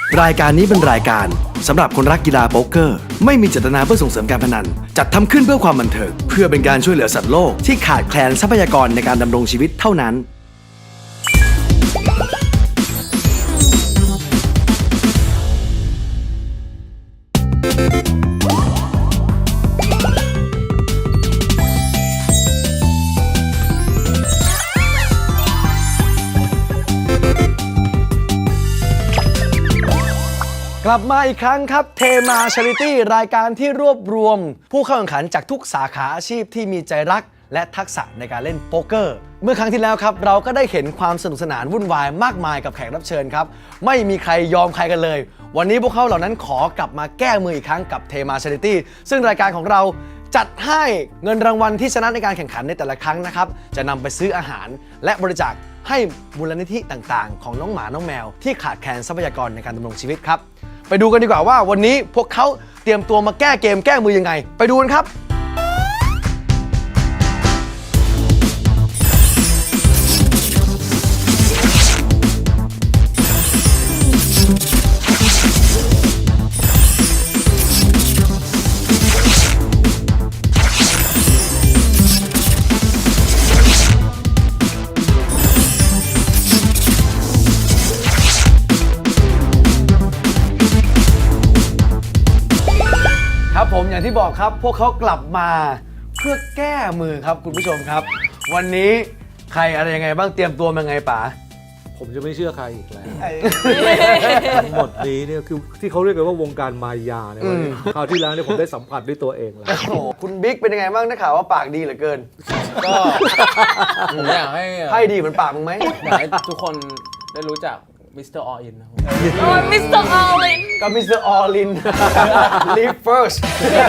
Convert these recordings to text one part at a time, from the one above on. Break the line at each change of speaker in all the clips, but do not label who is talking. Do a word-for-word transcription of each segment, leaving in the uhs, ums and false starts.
รายการนี้เป็นรายการสำหรับคนรักกีฬาโป๊กเกอร์ไม่มีเจตนาเพื่อส่งเสริมการพนันจัดทำขึ้นเพื่อความบันเทิงเพื่อเป็นการช่วยเหลือสัตว์โลกที่ขาดแคลนทรัพยากรในการดำรงชีวิตเท่านั้นกลับมาอีกครั้งครับเทมาชาริตี้รายการที่รวบรวมผู้เข้าแข่งขันจากทุกสาขาอาชีพที่มีใจรักและทักษะในการเล่นโป๊กเกอร์เมื่อครั้งที่แล้วครับเราก็ได้เห็นความสนุกสนานวุ่นวายมากมายกับแขกรับเชิญครับไม่มีใครยอมใครกันเลยวันนี้พวกเขาเหล่านั้นขอกลับมาแก้มืออีกครั้งกับเทมาชาริตี้ซึ่งรายการของเราจัดให้เงินรางวัลที่ชนะในการแข่งขันในแต่ละครั้งนะครับจะนำไปซื้ออาหารและบริจาคให้มูลนิธิต่างๆของน้องหมาน้องแมวที่ขาดแคลนทรัพยากรในการดำรงชีวิตครับไปดูกันดีกว่าว่าวันนี้พวกเขาเตรียมตัวมาแก้เกมแก้มือยังไงไปดูกันครับครับผมอย่างที่บอกครับพวกเขากลับมาเพื่อแก้มือครับคุณผู้ชมครับวันนี้ใครอะไรยังไงบ้างเตรียมตัวมาไงป๋า
ผมจะไม่เชื่อใครอีกแล้วทั้งหมดนี้เนี่ยคือที่เขาเรียกกันว่าวงการมายาเนี่ยคราวที่แล้วเนี่ยผมได้สัมผัสด้วยตัวเองแล้ว
คุณบิ๊กเป็นยังไงบ้างได้ข่าวว่าปากดีเหลือเกิน
ก็ผมอยากให้
ให้ดีเหมือนปากมึงไหม
อยากให้ทุกคนได้รู้จักมิสเตอร์ออลินนะครับ
โอ้ยมิสเตอร์ออลิน
กับมิสเตอร์ออลิน Live first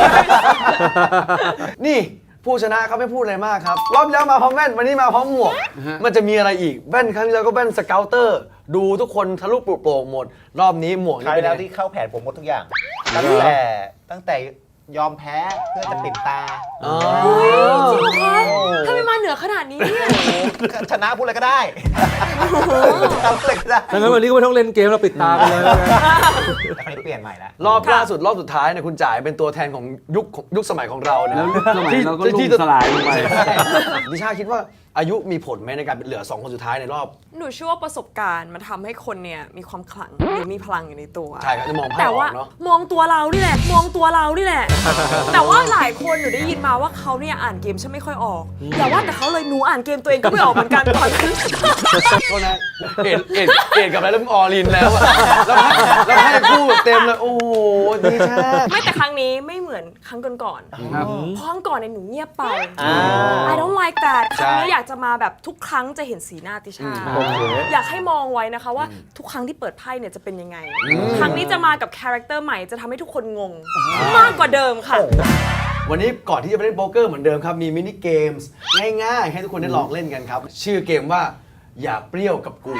นี่ผู้ชนะเขาไม่พูดอะไรมากครับรอบแล้วมาพร้อมแว่นวันนี้มาพร้อมหมวกมันจะมีอะไรอีกแว่นครั้งที่แล้วก็แว่นสเกลเตอร์ดูทุกคนทะลุปลุกโปร่งหมดรอบนี้หมวก
นี่เป็นแล้วที่เข้าแผนผมหมดทุกอย่างตั้งแต่ตั้งแต่ยอมแพ้เพื่อจะปิดตา
อ๋อจริงเหรอคะทำไมมาเหนือขนาดนี้เนี่ย
ชนะพูดอะไรก็ได้ทำอะไรก็ได้
ดังนั้นวันนี้ก็ไม่ต้องเล่นเกมเราปิดตาไปเลย
ครั้งนี้เปลี่ยนใหม่แล้ว
รอบล่าสุดรอบสุดท้ายเนี่ยคุณจ่ายเป็นตัวแทนของยุคยุคสมัยของเรานะ
แล้วสมัยเราก็ล่มสลายลงไป
นิชาคิดว่าอายุมีผลไหมในการเป็นเหลือสองคนสุดท้ายในรอบ
หนูเชื่อว่าประสบการณ์มันทำให้คนเนี่ยมีความขลังหรือมีพลังอยู่ในตัว
ใช่ครับจะมองภาพออกเนาะ
มองตัวเรานี่แหละมองตัวเรานี่แหละแต่ว่าหลายคนหนูได้ยินมาว่าเขาเนี่ยอ่านเกมฉันไม่ค่อยออกอย่าว่าแต่เขาเลยหนูอ่านเกมตัวเองก็ไม่ออกเหมือนกันตอนนั้น
ก็นะเอ็ดเอ็ดเอ็ดกับอะไรแล้วมึงออลินแล้วอะแล้วให้แล้วให้คู่เต็มเลยโอ้โหดีชา
ไม่แต่ครั้งนี้ไม่เหมือนครั้งก่อนๆเพราะครั้งก่อนเนี่ยหนูเงียบไป I don't like that ครั้งนี้อยากจะมาแบบทุกครั้งจะเห็นสีหน้าติชาอยากให้มองไว้นะคะว่าทุกครั้งที่เปิดไพ่เนี่ยจะเป็นยังไงครั้งนี้จะมากับคาแรคเตอร์ใหม่จะทำให้ทุกคนงงมากกว่าเดิมค่ะ
วันนี้ก่อนที่จะไปเล่นโป๊กเกอร์เหมือนเดิมครับมีมินิเกมส์ง่ายๆให้ทุกคนได้ลองเล่นกันครับชื่อเกมว่าอย่าเปรี้ยวกับกู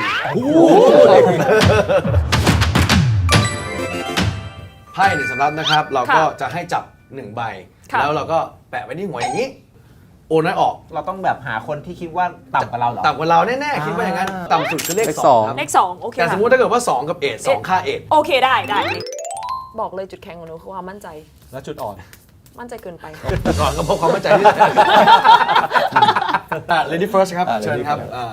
ไพ่หนึ่งสำรับนะครับเราก็จะให้จับหนึ่งใบแล้วเราก็แปะไว้ที่หัวอย่างนี้โอนน้อยออก
เราต้องแบบหาคนที่คิดว่าต่ำกว่าเราเหรอ
ต่ำกว่าเราแน่ๆคิดว่าอย่างนั้นต่ำสุดคือเลขสองครับ
เลขสองโอเค
แต่สมมติถ้าเกิดว่าสองกับเอทสองค่าเอท
โอเคได้ได้บอกเลยจุดแข็งของหนูคือความมั่นใจ
และจุดอ่อน
มั่นใจเกินไป
ก่อนก็พบความมั่นใจที่สุดอ่ะ Lady First ครับเชิญครับอ่า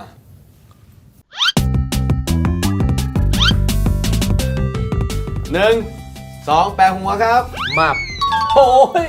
หนึ่งสองแปะหัวครับ
มาบ
โอ้ย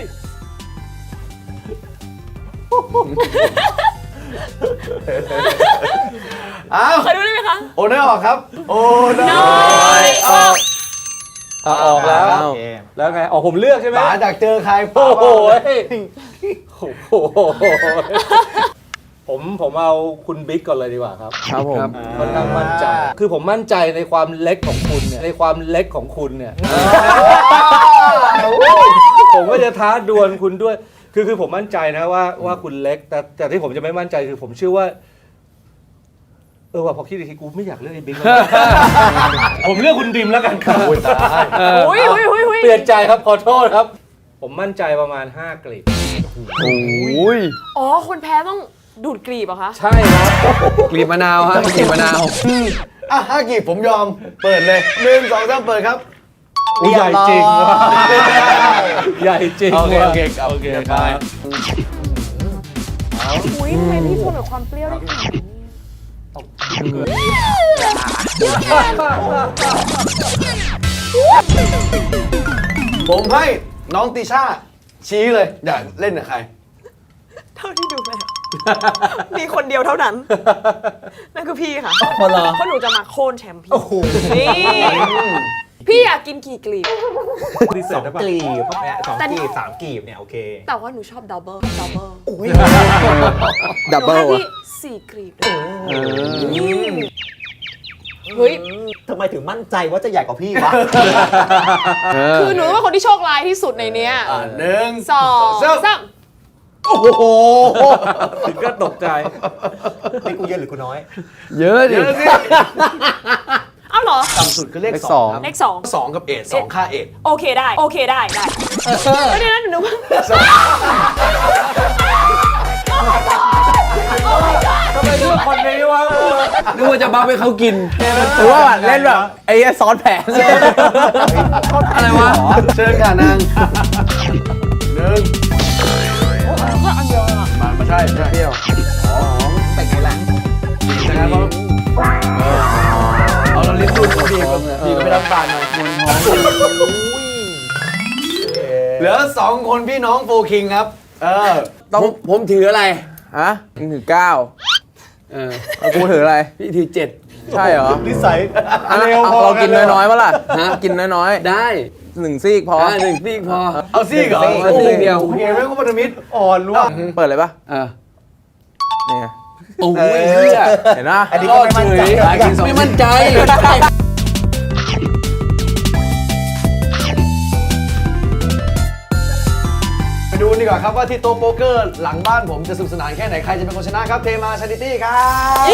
อ้าว
เคยดูได้ไหมคะ
โอนน้อยออกครับโอนน้อยออก
ออกแล้วแล้วไงออกผมเลือกใช่ไหม
ป๋าจากเจอใคร
โอ้โหโอ้โหผมผมเอาคุณบิ๊กก่อนเลยดีกว่าครับ
ครับผม
ค่อนข้างมั่นใจคือผมมั่นใจในความเล็กของคุณเนี่ยในความเล็กของคุณเนี่ยผมก็จะท้าดวลคุณด้วยคือคือผมมั่นใจนะว่าว่าคุณเล็กแต่แต่ที่ผมจะไม่มั่นใจคือผมเชื่อว่าเออว่าพอคิดอีกทีกูไม่อยากเลือกไอ้บิ๊กแล้วผมเลือกคุณดิมแล้วกันครับโอ้ยตาย
โอ้ยโอ้ยโอ้ย
เปลี่ยนใจครับขอโทษครับผมมั่นใจประมาณห้ากลีบ
โอ้ย
อ๋อคนแพ้ต้องดูดกลีบเหรอคะ
ใช่ครับ
กลีบมะนาวฮะกลีบมะนาว
อ่ะห้ากีบผมยอม เปิดเลยหนึ่งสองสามเปิดครับ
อุ๊ยใหญ่จริงว่ะใหญ่จริง
โอเค
ว่ะ
โอเคโอเค
ค
ไป
รับ
อุ้ยทำไมพี่ทนกับความเปรี้ยวได้ขนาดนี้
ผมให้น้องติช่าชี้เลย อยากเล่นกับใคร
เท่าที่ดูแล้ว มีคนเดียวเท่านั้น นั่นคือพี่ค่ะ
พอเหรอ
เพราะหนูจะมาโค่นแชมป์พี่นี่พี่อยากกินกี่กลีบ
ดีเซ
ส
ล
อง
ได้ปะ
กลีบเนี่ยสอง
แต่
กลีบสามกลีบเนี่ยโอเค
แต่ว่าหนูชอบดับเบิลดับเบิล
ดับเบิล
หนูให้พี่สี่กลีบเลยเฮ้ย
ทำไมถึงมั่นใจว่าจะใหญ่กว่าพี่วะ
คือหนูเป็นคนที่โชคร้ายที่สุดในเนี้ย
อ่ะหนึ่ง
สองสาม
โอ้โห
ถึงก็ตกใจ
นี่กูเยอะหรือกูน้อย
เยอะดิ
เดี๋ยวสิ
เอ้าเหรอ
ต่ำสุดคือเลข
เลข
ส
ส
อ
อง ง
ครับ
เลขสอง
สองกับเอ็ดสองค่าเอ็ด
โอเคได้ โอเคได้ได้แล้วเดี๋ยวนั้นหนูนึกว่า
ทำไมเลือกคนนี้วะ
นึกว่าจะบัฟให้เขากินหรือว่าเล่นแบบไอ้ซ้อนแผนอะไรวะ
เชิญค่ะนางหนึ่ง
ก็อันเดียวอะ
มามาใช่ใช่
เปรี้ยว
แต่งไงล่ะ
นะครับเพราะเออเอาเราลิ้นดูดดีกว่าดีกว่าไม่รับปานมาเหลือสองคนพี่น้องโฟคิงครับ เออ
ต้องผมถืออะไรฮะมึงถือเก้าเออแล้วกูถืออะไร
พี่ถือเจ็ด
ใช่เหรอ
นิสัย
อ่ะ
เร็ว
เอา
พอ
เรากิน
เลย
น้อยๆปะล่ะฮะกินน้อย
ได้
ๆหนึ่งซีกพอ
อ่าหนึ่งซีกพอ เอาซีกเหรอ
เอาซีกเดียว
โอเคไม่ก็พันธมิตร
อ่อนร่วง
เปิดเลยปะ
เออ
นี่ไง
โอ้ย
เออ
เหี้ย
เห็นปะ
อันนี้ก็ไม่มั่นใจ
ไม่มั่นใจ ไปดูดีกว่าครับว่าที่โต๊ะโป๊กเกอร์หลังบ้านผมจะสนุกสนานแค่ไหน ใครจะเป็นคนชนะครับ เทมาชาริตี้ครับ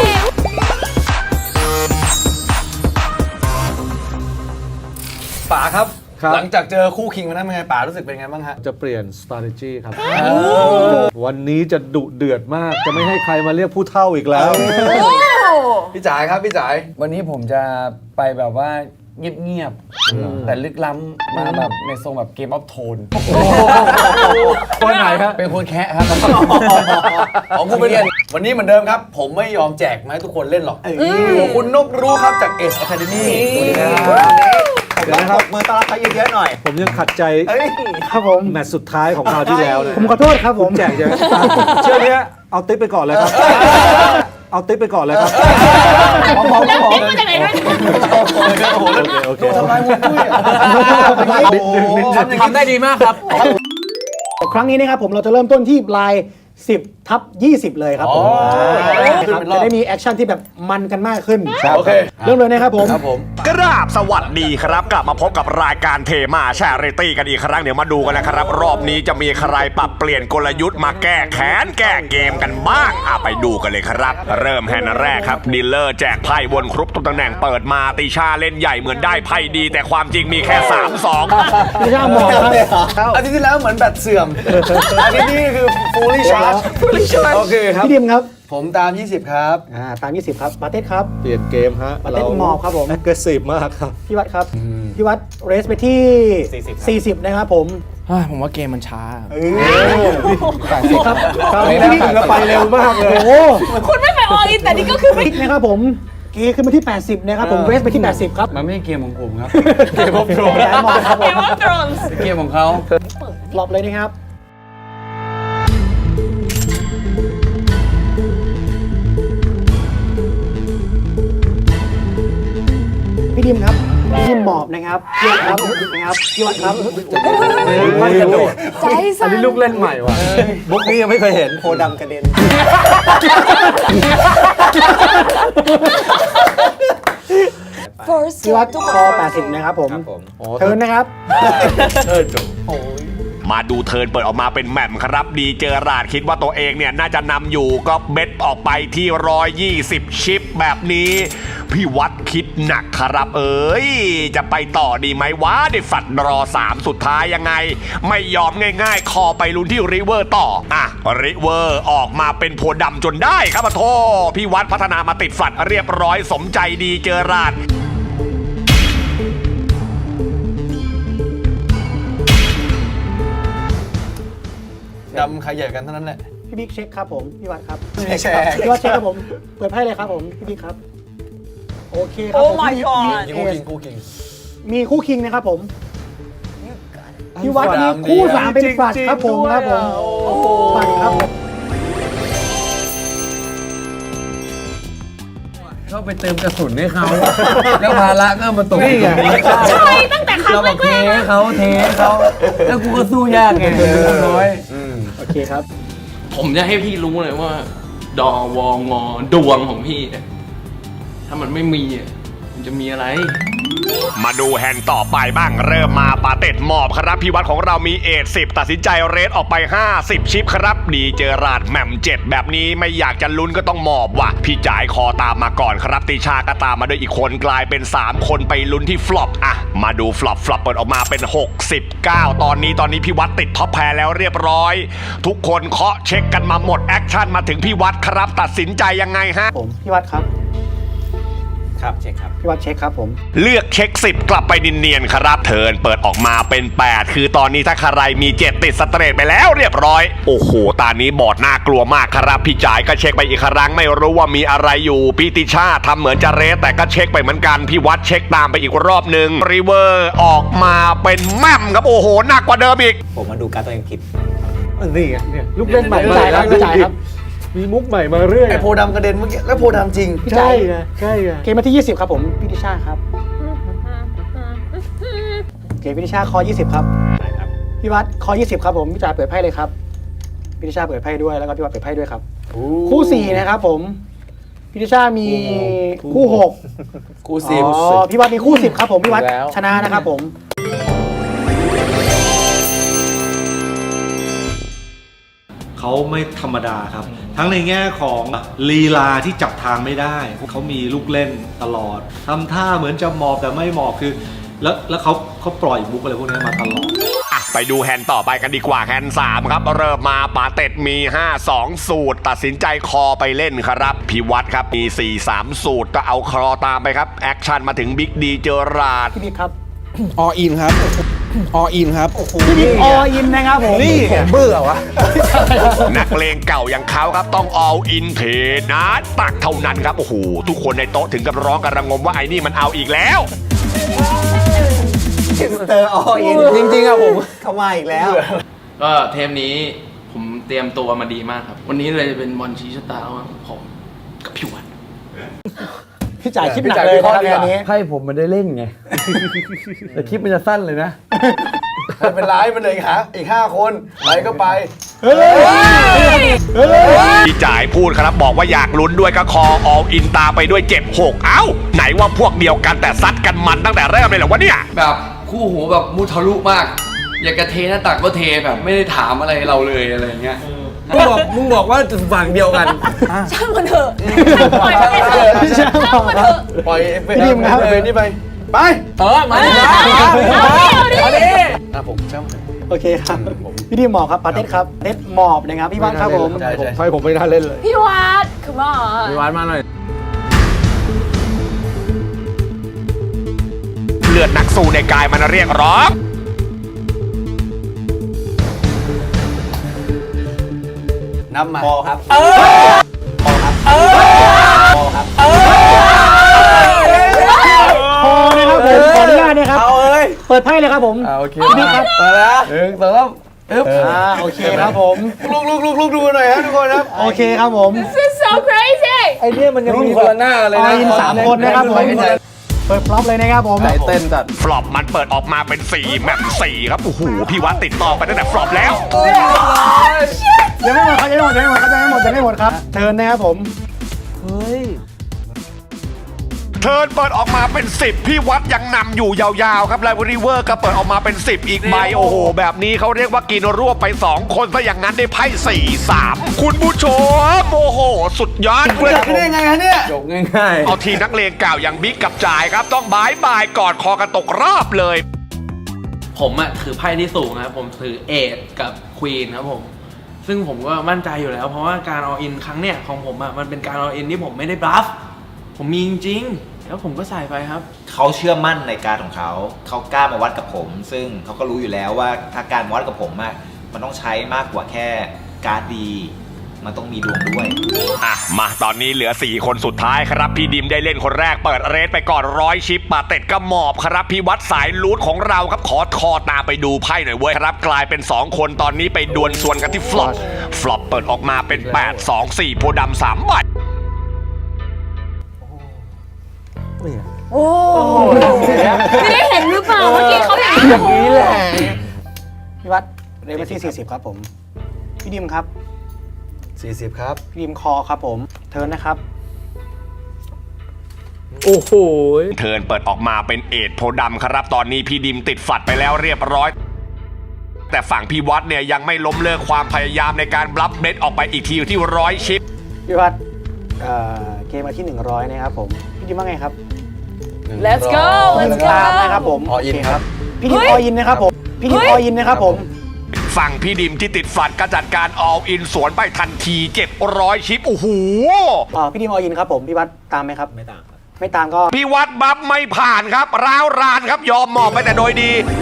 ป๋าครับ
ครับ
หลังจากเจอคู่คิงมานั้นเป็นไงป๋ารู้สึกเป็นไงบ้างฮะ
จะเปลี่ยน strategy ครับ วันนี้จะดุเดือดมาก จะไม่ให้ใครมาเรียกผู้เท่าอีกแล้ว
พี่จ๋าครับพี่จ๋า
วันนี้ผมจะไปแบบว่าเงียบๆ แต่ลึกล้ำมาแบบในทรงแบบเกมออฟโทน
คนไหนครับ
เป็นคนแคะครับ
ของคุณเป็นวันนี้เหมือนเดิมครับ ผมไม่ยอมแจกมาให้ทุกคนเล่นหรอกอยู่กับคุณนบรู้ครับจากเอสอะคาเดมี่สวัสดีครับ
เดี๋ยวนะครับมือต้อนรับเขาเยอะๆหน่อย
ผมยังขัดใจ
เอ้ย
ครับผม
แมตช์สุดท้ายของคราวที่แล้วนะ
ผมขอโทษครับผม
แจกจะเชื่อเนี้ยเอาติ๊บไปก่อนเลยครับ เอาติ๊บไปก่อนเลยครับ
แล้วติ๊กมาจากไหนด้วย
โอ้โห
โอเค
ทำลายมุกด้วยอ่ะทำอย่าง
ทำได้ดีมากครับ
ครั้งนี้นะครับผมเราจะเริ่มต้นที่ลายสิบทับยี่สิบเลยครับผม
ขึ้น
ครับ
เป็นรอ
จะ
บ
ได้มีแอคชั่นที่แบบมันกันมากขึ้น
โอเค
เริ่มเลยนะครับผม
ครับผม
กราบสวัสดีครับ กลับมาพบกับรายการเทมาแชร์ริตี้กันอีกครั้งเดี๋ยวมาดูกันนะครับ รอบนี้จะมีใครปรับเปลี่ยนกลยุทธ์มาแก้แค้นแก้เกมกันบ้างอ่ะไปดูกันเลยครับ เริ่มแฮนด์แรกครับดีลเลอร์แจกไพ่วนครบทุกตำแหน่งเปิดมาติชาเล่นใหญ่เหมือนได้ไพ่ดี แต่ความจริงมีแค่สาม สอง
ไม่ใช่หมอกครับ
อาทิตย์ที่แล้วเหมือนแบตเสื่อม อาทิตย์นี้คือ fully charge โอเคครับ
พี่ดิมครับ
ผมตาม ยี่สิบ ครับ
อ่าตามยี่สิบครับปาเต้ครับ
เปลี่ยนเกมฮะ
ประเทศมอบครับผม
แอคทีฟมากครับ
พี่วัดครับพี่วัดเรสไปที่ สี่สิบนะครับผม
ผมว่าเกมมันช้า
ครับ
คราวนี้เราไปเร็วมากเลย
โอ้โห
คุณไม่ไปอออินแต่นี่ก็คือไม่
พลิกนะครับผมเกขึ้นมาที่ แปดสิบนะครับผมเรสไปที่ แปดสิบครับ
มันไม่ใช่เกมของผมครับ
เกมof Thrones ครับผ
เก
ม
มว่า Thrones
เกมของเขา
ปลอบเลยนะครับพี่ดิมครับพี่ดิมหมอบนะครับพี่วัดครับนะครับพี่วัดครับ
ไม่กระโดด
ใจ
อัน
สั่น
นี้ลูกเล่นใหม่ว่ะบุ๊กนี้ยังไม่เคยเห็น
โคดำกระเด็น
First
พี่วัด
ทุก
ค
ค
อน แปดสิบนะครับผม
ครับผม
เทิร์นนะครับ
เออจบ
มาดูเทิร์นเปิดออกมาเป็นแหม่มครับดีเจอราดคิดว่าตัวเองเนี่ยน่าจะนำอยู่ก็เบ็ดออกไปที่หนึ่งร้อยยี่สิบชิปแบบนี้พี่วัดคิดหนักครับเอ้ยจะไปต่อดีไหมวะได้ฝัดรอสามสุดท้ายยังไงไม่ยอมง่ายๆคอไปลุ้นที่ริเวอร์ต่ออ่ะริเวอร์ออกมาเป็นโพดำจนได้ครับโทพี่วัดพัฒนามาติดฝัดเรียบร้อยสมใจดีเจอราด
ดำใครใหญ่กันเท่านั้นแหละ
พี่บิ๊กเช็คครับผมพี่วัดครับ
เช็คครับ
พี่วัดเช็คครับผมเปิดไพ่เลยครับผมพี่บิ๊กครับโอเคครับ
Oh
ผม
my
มี
god
มี
คู่
เอ
คิ
ส
งคู่คิง
มีคู่คิงนะครับผมพี่วัดมีคู่สามเป็นฝัดครับผมครับผมฝัดครับผม
เข้าไปเติมกระสุนให้เขา แล้วภาระก็มาตกอยู่ตรงนี้
ใช่ตั้งแต่ครั้ง
เรา
แร
บอกเท
กๆ
ให้
นะ
เขาเทให้เขาแล้วกูก็สู้ยากไงน้อย
โอเคครับ
ผมจะให้พี่รู้เลยว่า ดอวองอดวงของพี่เนี่ยถ้ามันไม่มีอ่ะมันจะมีอะไร
มาดูแฮนด์ต่อไปบ้างเริ่มมาปาเต็ดหมอบครับพี่วัดของเรามีเอทสิบตัดสินใจเรทออกไปห้าสิบชิปครับดีเจอราดแหม่มเจ็ดแบบนี้ไม่อยากจะลุ้นก็ต้องหมอบว่ะพี่จ่ายคอตามมาก่อนครับติชาก็ตามมาด้วยอีกคนกลายเป็นสามคนไปลุ้นที่ฟลอปอ่ะมาดูฟลอปฟลอปเปิดออกมาเป็นหกสิบเก้าตอนนี้ตอนนี้พี่วัดติดท็อปแพรแล้วเรียบร้อยทุกคนเคาะเช็คกันมาหมดแอคชั่นมาถึงพี่วัดครับตัดสินใจยังไงฮะ
ผมพี่วัดครับ
ครับเช็คครับ
พี่วัดเช็คครับผม
เลือกเช็คสิบกลับไปเนียนๆครับเทิร์นเปิดออกมาเป็นแปดคือตอนนี้ถ้าใครมีเจ็ดติดสเตรทไปแล้วเรียบร้อยโอ้โหตานี้บอร์ดน่ากลัวมากครับพี่จ่ายก็เช็คไปอีกครั้งไม่รู้ว่ามีอะไรอยู่พี่ติชาทำเหมือนจะเรสแต่ก็เช็คไปเหมือนกันพี่วัดเช็คตามไปอีกรอบหนึ่งรีเวอร์ออกมาเป็นแม่มครับโอ้โหหนักกว่าเดิมอีก
ผมมาดูการดตัวเองผิด
นี่ไงเนี่ยลูกเล่นใหม่
พี่จ่ายครับพี่จ่ายครับ
มีมุกใหม่มาเรื่อย
ไอโพดำกระเด็นเมื่อกี้แล้วโพดำจริง
พี่จ่าย
ไงใช่ไง
เกมมาที่ยี่สิบครับผมพี่ติชาครับเกมพี่ติชาคอยี่สิบครับพี่วัดคอยี่สิบครับผมพี่จ่ายเปิดไพ่เลยครับพี่ติชาเปิดไพ่ด้วยแล้วก็พี่วัดเปิดไพ่ด้วยครับคู่สี่นะครับผมพี่ติชามีคู่หก
กูซิม
อ๋อพี่วัดมีคู่สิบครับผมพี่วัด
แล้ว
ชนะนะครับผม
เขาไม่ธรรมดาครับ ทั้งในแง่ของลีลาที่จับทางไม่ได้เขามีลูกเล่นตลอดทำท่าเหมือนจะหมอบแต่ไม่หมอบคือ แล้วแล้วเขาเขาปล่อยมุกอะไรพวกนี้มาตลอด
อ่ะไปดูแฮนด์ต่อไปกันดีกว่าแฮนด์สามครับเริ่มมาปาเต็ดมีห้า สองสูตรตัดสินใจคอไปเล่นครับพี่วัดครับมีสี่ สามสูตรก็เอาคอตามไปครับแอคชั่นมาถึงบิ๊กดีเจอราด
พี่บิ๊กครับ
ออินครับออินครับ
พี่บิ๊กออินนะครับผม
นี่เบื่อวะ
นักเลงเก่าอย่างเขาครับต้อง all in เทนะตักเท่านั้นครับโอ้โหทุกคนในโต๊ะถึงกับร้องกันระงมว่าไอ้นี่มันเอาอีกแล้ว
เตอร์ออิน
จริงๆอะผม
เข้ามาอีกแล้ว
ก็เทปนี้ผมเตรียมตัวมาดีมากครับ วันนี้เลยจะเป็นบอลชี้ชะตาของผมกับพี่วัด
พี่จ่ายคิดหนักเลยนะครับงานนี้
ไพ่ผมมันได้เล่นไง แต่คลิปมันจะสั้นเลยนะ
ไม่เป็นไรมันเหลยหาอีกห้าคนไปก็ไป
พี่จ่ายพูดครับบอกว่าอยากลุ้นด้วยก็คอ all in ตามไปด้วยเจ็ด หกเอ้าไหนว่าพวกเดียวกันแต่ซัดกันมันตั้งแต่เริ่มเลยเหรอวะเนี่ย
แบบคู่หูแบบมุทะลุมาก อยากจะเทหน้าตักก็เทแบบไม่ได้ถามอะไรเราเลยอะไรอย่างเงี้ย
มึงบอกมึงบอกว่าฝั่งเดียวกัน
ช่างมันเถอะปล่อยมันไปเถอะช่างมันเถอะ
ปล่อยเอฟเฟกต์ครับเอฟนี่ไป ไป
เออมาดิ
เอาดิเอาดิ
อ่ะผมช่างมัน
โอเคครับพี่ดิมหมอบครับปาเต็ดครับเต็ดหมอบนะครับพี่วัดครับผม
ใช่ใช่
ไฟผมไม่น่าเล่นเลย
พี่วัดคือว่า
มีวัดมาหน่อย
เลือดนักสู้ในกายมันเรียกร้อง
นับมา
พอครับ
พอนะครับผมขออนุญาตนะครับ
เอาเอ้ย
เปิดไพ่เลยครับผม
อ่าโอเค
พี่บิ๊กครับ
มาแล้วหนึ่งสองสามอึ๊บ
อ่าโอเคครับผม
ลุกลุกลุกลุกดูหน่อยครับทุกคนครับ
โอเคครับผม
This is so crazy
ไอเนี่ยมันยังมีคนละหน้ากันเลย
อ
นะ
อินสามคนนะครับผมเปิดพร็อพเลยนะครับผม
ใจเต้นจัด
ฟลอปมันเปิดออกมาเป็นสี่แมปสี่ครับโอ้โหพี่วัดติดต่อไปตั้งแต่ฟลอปแล้ว
ยังไม่หมดครับยังไม่หมดยังไม่หมดครับยังไม่หมดยังไม่หมดครับเชิญนะครับผม
เฮ้ย
เทิร์นเปิดออกมาเป็นสิบพี่วัดยังนำอยู่ยาวๆครับไลฟ์ริเวอร์ก็เปิดออกมาเป็นสิบอีกใบโอ้โหแบบนี้เขาเรียกว่ากินรวบไปสองคนซะอย่างนั้นได้ไพ่สี่ สามคุณผู้ชมโอ้โหสุดยอดเลยครับผม
ได้ไงฮะเนี่ย
จบง่ายๆ
เอาทีมนักเลงเก่าอย่างบิ๊กกับจ่ายครับต้องบายบายกอดคอกันตกรอบเลย
ผมอะถือไพ่ที่สูงนะครับผมถือเอทกับควีนครับผมซึ่งผมก็มั่นใจอยู่แล้วเพราะว่าการอออินครั้งเนี้ยของผมอะมันเป็นการอออินที่ผมไม่ได้บลัฟผมมีจริงๆแล้วผมก็ใส่ไปครับ
เขาเชื่อมั่นในการของเขา เขากล้ามาวัดกับผม ซึ่งเขาก็รู้อยู่แล้วว่าถ้าการวัดกับผมอะมันต้องใช้มากกว่าแค่การ์ดดี มันต้องมีดวงด้วย
อ่ะมาตอนนี้เหลือสี่คนสุดท้ายครับพี่ดิมได้เล่นคนแรกเปิดเรสไปก่อนร้อยชิปปาเต็ดก็หมอบครับพี่วัดสายลูดของเราครับขอคอตามไปดูไพ่หน่อยเว้ยครับกลายเป็นสองคนตอนนี้ไปดวลส่วนกันที่ฟลอปฟลอปเปิดออกมาเป็นแปด สอง สี่โพธิ์ดำสามใบ
โอ้ไม่ได้เห็นหรือเปล่าเมื่อกี้เขาอย่างนี้แหละ
พี่วัดเรเวอร์ที่สี่สิบครับผม พี่ดิมครับ
สี่สิบ ครับ
พี่ดิมคอครับผม เทิร์นนะครับ
โอ้โห
เทิร์นเปิดออกมาเป็นเอทโพธิ์ดำครับตอนนี้พี่ดิมติดฝัดไปแล้วเรียบร้อยแต่ฝั่งพี่วัดเนี่ยยังไม่ล้มเลิกความพยายามในการบลัฟเบสออกไปอีกทีที่ร้อยชิป
พี่วัดเอ่อเกมมาที่หนึ่งร้อยนะครับผม พี่ดิมว่าไงครับ
let's go
หนึ่
let's
งตามนะครับ
go
ผม
all in
โเค
ครับ
พี่ดิม
เฮ้ย
ออยินนะครับผม พี่ดิม
เฮ้
อย อยินนะครับผม
ฝั่งพี่ดิมที่ติดฝัดก็จัดการ all in สวนไปทันทีเจ็ดร้อยชิปโอ้โห
อ่าพี่ดิมออยินครับผม พี่วัดตามไหมครับ ไม่ตามครับ ไม่ตามก็
พี่วัดบัฟไม่ผ่านครับร้าวรานครับยอมหมอบไปแต่โดยดี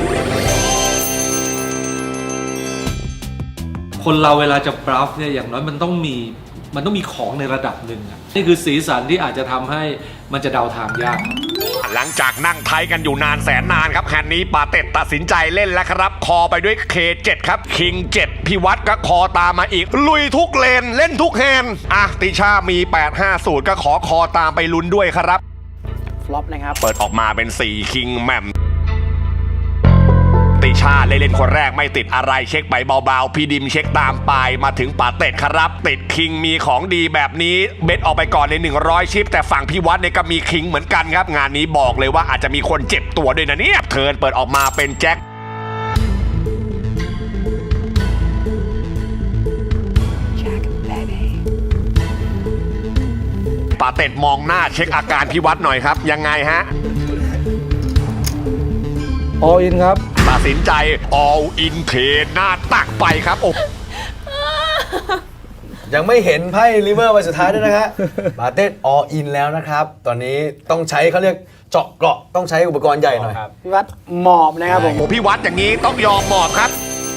คนเราเวลาจะบลัฟเนี่ยอย่างน้อยมันต้องมีมันต้องมีของในระดับหนึ่งอะนี่คือสีสันที่อาจจะทำให้มันจะเดาทางยาก
หลังจากนั่งไทยกันอยู่นานแสนนานครับแฮนด์นี้ปาเต็ดตัดสินใจเล่นแล้วครับ คอไปด้วย เค เจ็ด ครับ คิง เจ็ด พี่วัดก็คอตามมาอีก ลุยทุกเลน เล่นทุกแฮนด์อ่ะติชามี แปด ห้า สูตรก็ขอคอตามไปลุ้นด้วยครับ
ฟลอปนะครับ
เปิดออกมาเป็น สี่ คิงแหม่มติชาเล่นคนแรกไม่ติดอะไรเช็คไปเบาๆพี่ดิมเช็คตามไปมาถึงปาเต็ดครับติดคิงมีของดีแบบนี้เบ็ดออกไปก่อนในหนึ่งร้อยชิปแต่ฝั่งพี่วัดเนี่ยก็มีคิงเหมือนกันครับงานนี้บอกเลยว่าอาจจะมีคนเจ็บตัวด้วยนะเนี่ยเทิร์นเปิดออกมาเป็นแจ็คปาเต็ดมองหน้าเช็คอาการพี่วัดหน่อยครับยังไงฮะ
all in ครับ
ตัดสินใจ all in เทหน้าตักไปครับโอ้
ยังไม่เห็นไพ่ริเวอร์ใบสุดท้ายด้วยนะฮะ ปาเต็ด all in แล้วนะครับ ตอนนี้ต้องใช้เขาเรียกเจาะเกราะต้องใช้อุปกรณ์ใหญ่หน่อย
พี่วัดหมอบนะครับผม
โหพี่วัดอย่างนี้ต้องยอมหมอบครับ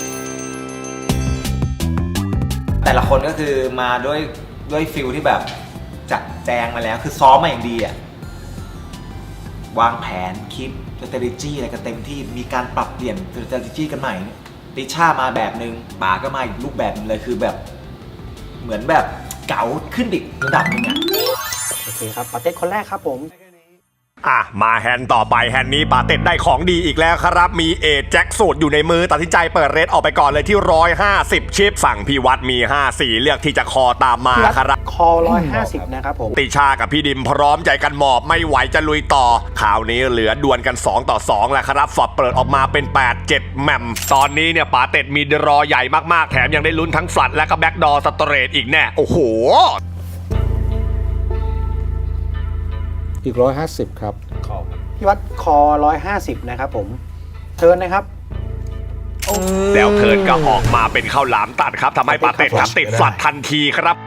แต่ละคนก็คือมาด้วยด้วยฟิลที่แบบจัดแจงมาแล้วคือซ้อมมาอย่างดีอะวางแผนคิด strategy อะไรกันเต็มที่มีการปรับเปลี่ยน strategy กันใหม่ติช่ามาแบบนึงป๋าก็มาอีกรูปแบบนึงเลยคือแบบเหมือนแบบเก๋าขึ้นอีกระดับนึงอะ
โอเคครับปาเต้คนแรกครับผม
อ่ะมาแฮนด์ต่อไปแฮนด์นี้ปาเต็ดได้ของดีอีกแล้วครับมีเอทแจ็คสูตรอยู่ในมือตัดสินใจเปิดเรทออกไปก่อนเลยที่หนึ่งร้อยห้าสิบชิปฝั่งพี่วัดมีห้าสี่เลือกที่จะคอตามมา
พี่วัด
ครับ
คอร้อยห้าสิบนะครับผม
ติชากับพี่ดิมพร้อมใจกันหมอบไม่ไหวจะลุยต่อข่าวนี้เหลือดวลกันสองต่อสองแล้วครับฝอบเปิดออกมาเป็นแปด เจ็ดแหม่มตอนนี้เนี่ยปาเต็ดมีรอใหญ่มากๆแถมยังได้ลุ้นทั้งฟลัดและก็แบ็กดอร์สเตรทอีกแน่โอ้โห
อีกร้อยห้าสิบครับ
พี่วัดคอร้อยห้าสิบนะครับผม เทิร์นนะครับ
แล้วเทิร์นก็ออกมาเป็นข้าวหลามตัดครับทำให้ปาเต็ดครับติดฟลัดทันทีครับ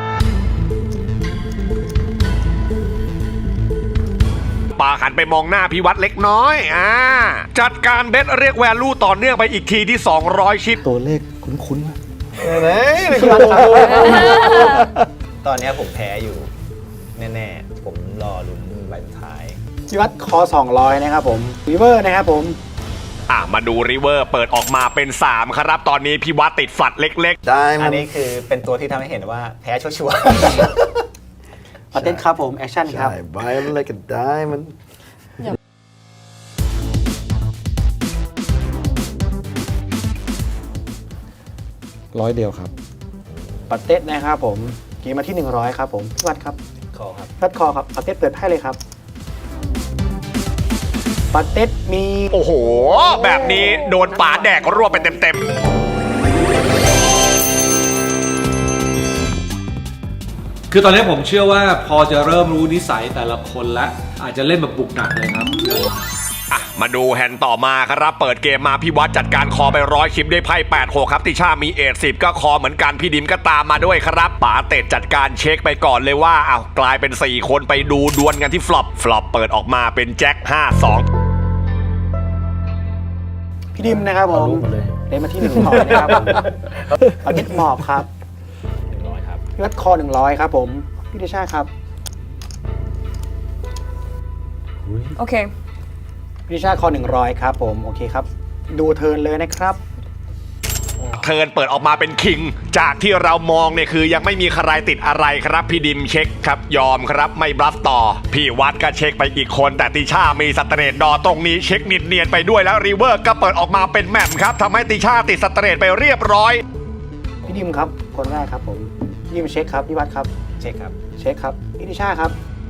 ปาหันไปมองหน้าพี่วัดเล็กน้อยอ่าจัดการเบสเรียกแวลูต่อเนื่องไปอีกทีที่สองร้อยชิป
ตัวเลขคุ้นๆนะ
ไหน
พี่วัดครับ
ตอนนี้ผมแพ้อยู่แน่ๆผมรอลุ้นใบสุดท้าย
พี่วัดคอสองร้อยนะครับผมรีเวอร์นะครับผม
อ่ะมาดูริเวอร์เปิดออกมาเป็นสามครับตอนนี้พี่วัดติดฝัดเล็ก
ได้
อั
มัน น
นี้คือเป็นตัวที่ทำให้เห็นว่าแพ้ชัวร์
ปาเต้ครับผม แอคชั่นครับ
ใช่ใบมันอะไรก็ได้มัน
ร้อยเดียวครับ
ปาเต้นะครับผม เกมมาที่หนึ่งร้อยครับผม พี่วัดครับ
ๆขอครับ
พี่วัดคอครับปาเต้เปิดไพ่เลยครับปาเต็ดมี
โอ้โห แบบนี้โดนป๋าแดกรวบไปเต็มๆ
คือตอนนี้ผมเชื่อว่าพอจะเริ่มรู้นิสัยแต่ละคนแล้วอาจจะเล่นแบบบุกหนักเลยครับ
อ่ะมาดูแฮนด์ต่อมาครับ เปิดเกมมาพี่วัดจัดการคอไปร้อยคลิปด้วยไพ่แปดหกครับติช่ามีเอทสิบก็คอเหมือนกันพี่ดิมก็ตามมาด้วยครับป๋าเต็ดจัดการเช็คไปก่อนเลยว่าอ้าวกลายเป็นสี่คนไปดูดวลกันที่ฟลอปฟลอปเปิดออกมาเป็นแจ็คห้าสอง
พี่ดิมนะครับผมเล่นมาที่หนึ่งหมอบนะครับผมปาเต็ดหมอบครับพี่วัดคอหนึ่งร้อยครับผมพี่ติช่าครับ
โอเค
พี่ติช่าคอหนึ่งร้อยครับผมโอเคครับดูเทิร์นเลยนะครับ
เทิร์นเปิดออกมาเป็นคิงจากที่เรามองเนี่ยคือยังไม่มีใครติดอะไรครับพี่ดิมเช็คครับยอมครับไม่บลัฟต่อพี่วัดก็เช็คไปอีกคนแต่ติช่ามีสเตรทดอตรงนี้เช็คนิดเนียนไปด้วยแล้วรีเวอร์ก็เปิดออกมาเป็นแหม่มครับทำให้ติช่าติดสเตรทไปเรียบร้อย
พี่ดิมครับคนแรกครับผมพี่ดิมเช็คครับพี่วัดครับเช็คครับเช็คครับพี่ติช่าครับ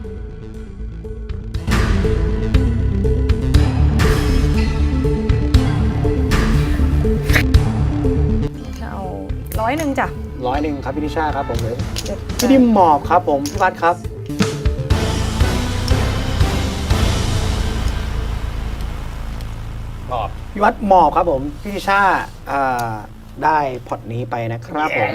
จะเอาร้อยหนึ่งจ้ะ
ร้อยหนึ่งครับพี่ติช่าครับผมเลยพี่ดิมหมอบครับผมพี่วัดครับหมอบพี่วัดหมอบครับผมพี่ติช่าอ่าได้พอร์ตนี้ไปนะครับผม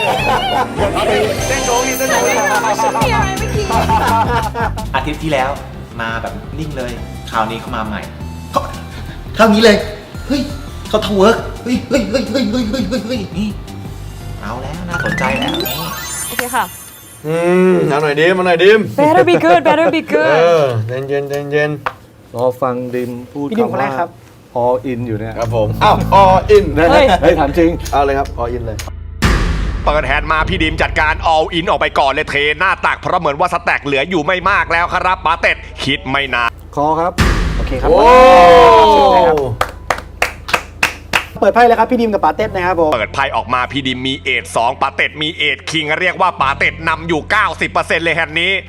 อาทิตย์ที่แล้วมาแบบนิ่งเลย คราวนี้เขามาใหม่เขาคราวนี้เลย เฮ้ยเขาทำเวิร์กเฮ้ยเฮ้ยเฮ้ยเฮ้ยเฮ้ยเฮ้ยเฮ้ยเฮ้ยนี่เอาแล้วน่าสนใจแล้วนี่
โอเคค่ะ
อืมเอาหน่อยดิมเอาหน่อยดิม
better be good better be
เอ
good
อเย็นเย็นเย็นเย็น
รอฟังดิมพูด
พี่ดิมคน
คำ
แร
ว่าก
ครับ
all in อยู่เนี่ย
ครับผมอ้าวออิน
เฮ้ย
เฮ้ยถามจริง
เอาเลยครับออินเลย
เปิดแฮนด์มาพี่ดิมจัดการ all in ออกไปก่อนเลยเทหน้าตักเพราะเหมือนว่าสแต็กเหลืออยู่ไม่มากแล้วครับป๋าเต็ดคิดไม่นาน
คอครับ
โอเคครับ
โอ้
เปิดไพ่เลยครับพี่ดิมกับปาเต็ดนะครับผม
เปิดไพ่ออกมาพี่ดิมมีเอทสองป๋าเต็ดมีเอทคิงเรียกว่าป๋าเต็ดนำอยู่ เก้าสิบเปอร์เซ็นต์ เลยแฮนด์นี้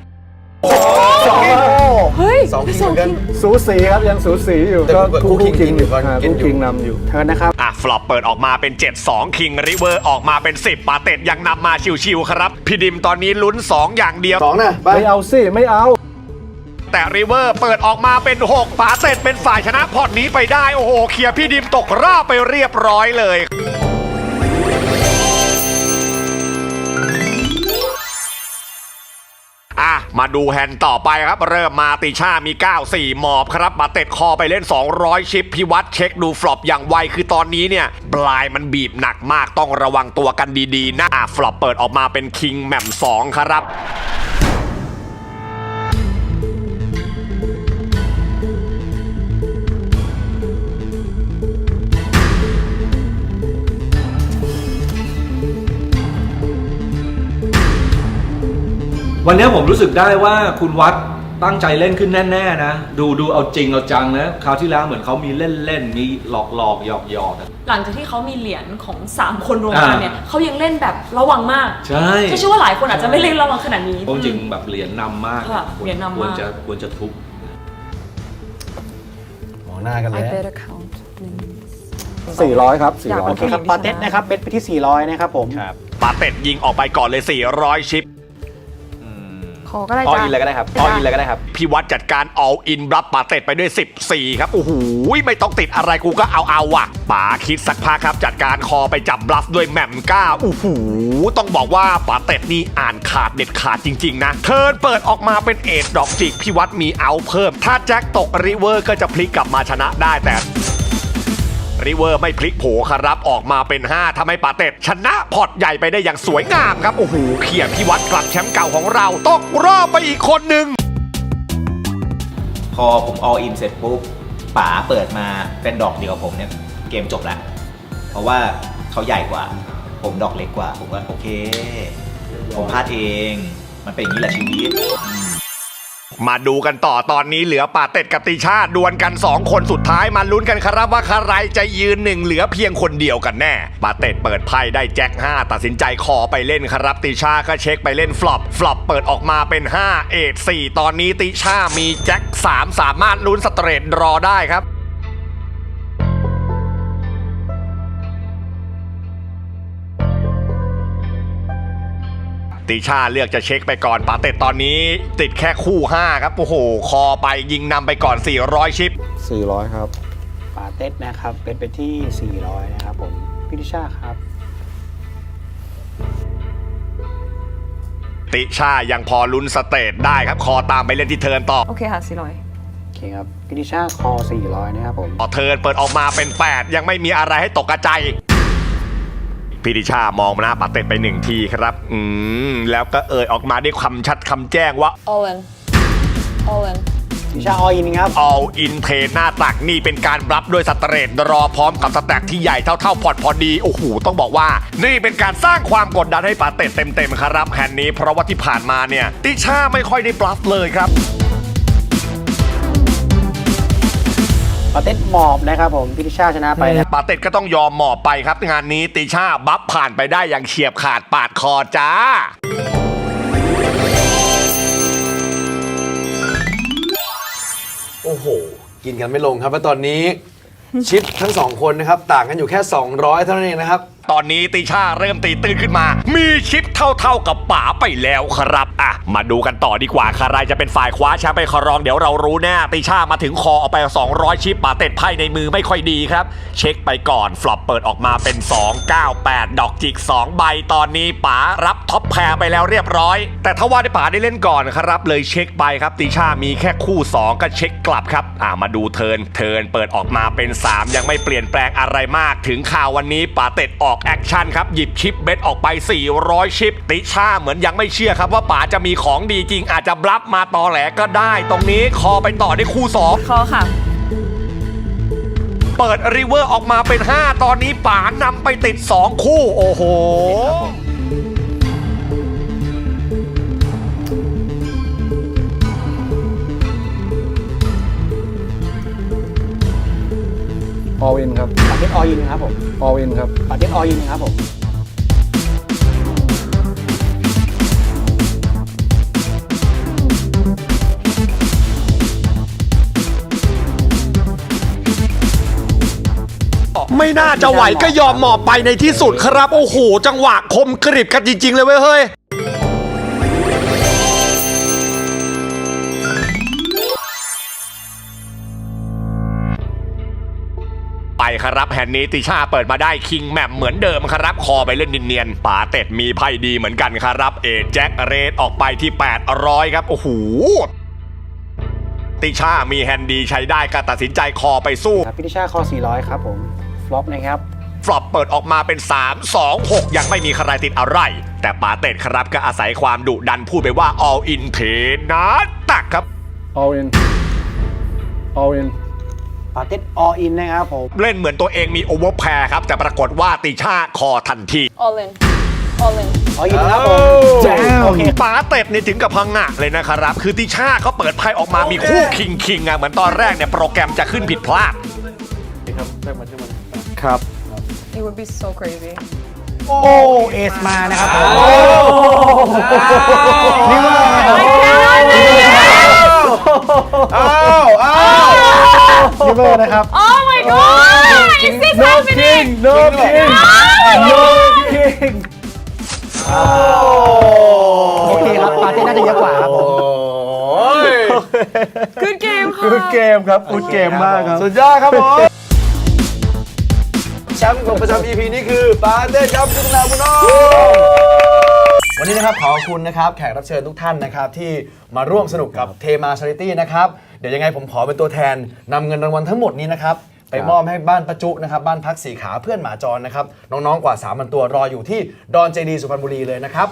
เฮ้ย
สองคิงเหมือนกัน
สูสีครับยังสูสีอยู่
แต่
ก็
คู่
คู่
คิ
คิ
ง
ง
อยู่ก่อน
อ่า
กิน
คู่
อยู่
คิงนำอยู่
เทิร์นนะครับ
อ่ะฟลอปเปิดออกมาเป็น เจ็ดสองคิงริเวอร์ออกมาเป็น สิบป๋าเต็ดยังนำมาชิวๆครับพี่ดิมตอนนี้ลุ้นสองอย่างเดียว
สองนะไป
ไม่เอาสิ ไม่เอา
แต่ริเวอร์เปิดออกมาเป็นหกป๋าเต็ดเป็นฝ่ายชนะพอร์ตนี้ไปได้โอ้โหเคลียร์พี่ดิมตกรอบไปเรียบร้อยเลยอ่ะมาดูแฮนด์ต่อไปครับเริ่มมาติช่ามี เก้าสี่ หมอบครับมาเต็ดคอไปเล่น สองร้อย ชิปพิวัตรเช็คดูฟลอปอย่างไวคือตอนนี้เนี่ยปลายมันบีบหนักมากต้องระวังตัวกันดีๆนะอ่ะฟลอปเปิดออกมาเป็นคิงแหม่มสองครับ
วันนี้ผมรู้สึกได้ว่าคุณวัดตั้งใจเล่นขึ้นแน่ๆนะ ดูดูเอาจริงเอาจังนะคราวที่แล้วเหมือนเขามีเล่นเล่นมีหลอกหลอกหยอกหยอกอะ
หลังจากที่เขามีเหรียญของสามคนรวมกันเนี่ย
อ่า
เขายังเล่นแบบระวังมาก
ใช่
ก็เชื่อว่าหลายคนอาจจะไม่เล่นระวังขนาดนี้
เพราะจริงแบบเหรียญนำมาก
ค่ะ
คว
เหรียญนำมาก
ควรจะควรจะทุบ
มองหน้ากันเลย
I better count
สี่ร้อยครับ
อยาก
โอเคครับปาเต็ดนะครับเบสไปที่สี่ร้อยนะครับผม
ป๋าเต็ดยิงออกไปก่อนเลย สี่ร้อย ชิป
ขอก็ได้
อ
จ้ะ
อินเลยก็ได้ครับออินเลยก็ได้ครับ
พี่วัดจัดการ all in รับป๋าเต็ดไปด้วย สิบสี่ ครับ โอ้โหไม่ต้องติดอะไรกูก็เอาเอาว่ะป๋าคิดสักพักครับจัดการคอไปจับบลัฟด้วยแหม่มก้าโอ้โหต้องบอกว่าป๋าเต็ดนี่อ่านขาดเด็ดขาดจริงๆนะเทิร์นเปิดออกมาเป็นเอทดอกจิกพี่วัดมีเอาเพิ่มถ้าแจ็คตกริเวอร์ก็จะพลิกกลับมาชนะได้แต่ริเวอร์ไม่พลิกโผครับออกมาเป็นห้าทำให้ป๋าเต็ดชนะพอร์ตใหญ่ไปได้อย่างสวยงามครับโอ้โหเขี่ยพี่วัดกลับแชมป์เก่าของเราตกรอบไปอีกคนหนึ่ง
พอผม all in เสร็จปุ๊บป๋าเปิดมาเป็นดอกเดียวกับผมเนี่ยเกมจบแล้ว เพราะว่าเขาใหญ่กว่า ผมดอกเล็กกว่า ผมว่าโอเค ผมพลาดเอง มันเป็นอย่างนี้แหละชีวิตอืม
มาดูกันต่อตอนนี้เหลือปาเต็ดกับติชาดวลกันสองคนสุดท้ายมาลุ้นกันครับว่าใครจะยืนหนึ่งเหลือเพียงคนเดียวกันแน่ปาเต็ดเปิดไพ่ได้แจ็คห้าตัดสินใจคอไปเล่นครับติชาก็เช็คไปเล่นฟลอปฟลอปเปิดออกมาเป็นห้าเอทสี่ตอนนี้ติชามีแจ็คสามสามารถลุ้นสเตรทรอได้ครับติชาเลือกจะเช็คไปก่อนปาเต็ดตอนนี้ติดแค่คู่ห้าครับโอ้โหคอไปยิงนำไปก่อนสี่ร้อยชิป
สี่ร้อยครับปาเต็ดนะครับเป็นไปที่สี่ร้อยนะครับผมพี่ติชาครับ
ติชายังพอลุ้นสเตทได้ครับคอตามไปเล่นที่เทิร์นต่อ
โอเคค่ะสี่ร้อย
โอเคครับพี่ติชาคอสี่ร้อยนะครับผม
ต่อเทิร์นเปิดออกมาเป็นแปดยังไม่มีอะไรให้ตกกระจายพี่ติชามองหน้าปาเต็ดไปหนึ่งทีครับอืมแล้วก็เอ่ยออกมาด้วยคำชัดคำแจ้งว่า
all in all in
ติชาอออินครับ
all in เทหน้าตักนี่เป็นการรับด้วยสเตรทรอพร้อมกับสแต็กที่ใหญ่เท่าๆพอร์ตพอดีโอ้โหต้องบอกว่านี่เป็นการสร้างความกดดันให้ปาเต็ดเต็มๆครับแฮนด์นี้เพราะว่าที่ผ่านมาเนี่ยติชาไม่ค่อยได้บลัฟเลยครับ
ปาเต็ดหมอบนะครับผมพี่ติชาชนะไปนะ
ปาเต็ดก็ต้องยอมหมอบไปครับงานนี้ติชาบัฟผ่านไปได้อย่างเฉียบขาดปาดคอจ้า
โอ้โหกินกันไม่ลงครับและตอนนี้ชิปทั้งสองคนนะครับต่างกันอยู่แค่สองร้อยเท่านั้นเองนะครับ
ตอนนี้ติชาเริ่มตีตื้นขึ้นมามีชิปเท่าๆกับป๋าไปแล้วครับอ่ะมาดูกันต่อดีกว่าใครจะเป็นฝ่ายคว้าแชมป์ไปครองเดี๋ยวเรารู้แน่ติชามาถึงคอเอาไปสองร้อยชิปป๋าเต็ดไพ่ในมือไม่ค่อยดีครับเช็คไปก่อนฟลอปเปิดออกมาเป็นสอง เก้า แปดดอกจิกสองใบตอนนี้ป๋ารับท็อปแพรไปแล้วเรียบร้อยแต่ถ้าว่าได้ป๋าได้เล่นก่อนครับเลยเช็คไปครับติชามีแค่คู่สองก็เช็คกลับครับอ่ะมาดูเทิร์นเทิร์นเปิดออกมาเป็นสามยังไม่เปลี่ยนแปลงอะไรมากถึงข่าววันนี้ป๋าเต็ดออกแอคชั่นครับหยิบชิปเบ็ดออกไปสี่ร้อยชิปติชาเหมือนยังไม่เชื่อครับว่าป๋าจะมีของดีจริงอาจจะบลัฟมาตอแหลก็ได้ตรงนี้คอไปต่อได้คู่สอง
คอค่ะ
เปิดริเวอร์ออกมาเป็นห้าตอนนี้ป๋านำไปติดสองคู่โอ้โห
ออลอินครับ
ปาเต็ดอออินครับผม
ออลอินครับ
ปาเต็ดอออินครับผม
ไม่น่าจะไหวก็ยอมหมอบไปในที่สุดครับโอ้โหจังหวะคมกริบกันจริงๆเลยเว้ยเฮ้ยไปครับแฮนด์นี้ติชาเปิดมาได้คิงแมมเหมือนเดิมครับคอไปเล่นเนียนๆป๋าเต็ดมีไพ่ดีเหมือนกันครับเอแจ็คเรดออกไปที่แปดร้อยครับโอ้โหติชามีแฮนด์ดีใช้ได้ก็ตัดสินใจคอไปสู้
ครับพี่ติชาคอสี่ร้อยครับผมฟลอปนะครับ
ฟลอปเปิดออกมาเป็นสาม สอง หกยังไม่มีใครติดอะไรแต่ป๋าเต็ดครับก็อาศัยความดุดันพูดไปว่า all in เทนะตักครับ
all in all in
ปาเต็ดอออินนะครับผม
เล่นเหมือนตัวเองมีโอเวอร์แพร์ครับแต่ปรากฏว่าติชาคอทันที
all in all in
อออินครับผม
แจ๋วป๋าเต็ดนี่ถึงกับพังงะเลยนะครับคือติชาเขาเปิดไพ่ออกมามีคู่คิงคิงอ่ะเหมือนตอนแรกเนี่ยโปรแกรมจะขึ้นผิดพลาด
ครับ
it would be so crazy
โอ้เอสมานะครับผมนี่ว่าอ้าวอ้าวนี่เบอร์นะครับ
oh my god is this happening
no king no king
โอเคครับปาเต้น่าจะเยอะกว่าครับผม
good game ค่ะ
good game ครับ good game มากครับ
สุดยอดครับผมแชมป์ของประจำ อี พี นี้คือปาเต้ครับคุณนาบุญน้องวันนี้นะครับขอบคุณนะครับแขกรับเชิญทุกท่านนะครับที่มาร่วมสนุกกับเทมาชาริตี้นะครับเดี๋ยวยังไงผมขอเป็นตัวแทนนำเงินรางวัลทั้งหมดนี้นะครับไปมอบให้บ้านประจุนะครับบ้านพักสีขาเพื่อนหมาจรนะครับน้องๆกว่า สามพัน ตัวรออยู่ที่ดอนเจดีสุพรรณบุรีเลยนะครับ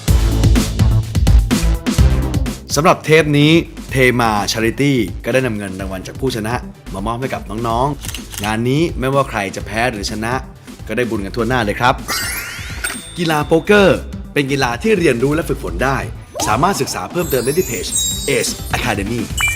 สำหรับเทปนี้เทมาชาริตี้ก็ได้นำเงินรางวัลจากผู้ชนะมามอบให้กับน้องๆงานนี้ไม่ว่าใครจะแพ้หรือชนะก็ได้บุญกันทั่วหน้าเลยครับกีฬาโป๊กเกอร์เป็นกีฬาที่เรียนรู้และฝึกฝนได้สามารถศึกษาเพิ่มเติมได้ที่เพจ Ace Academy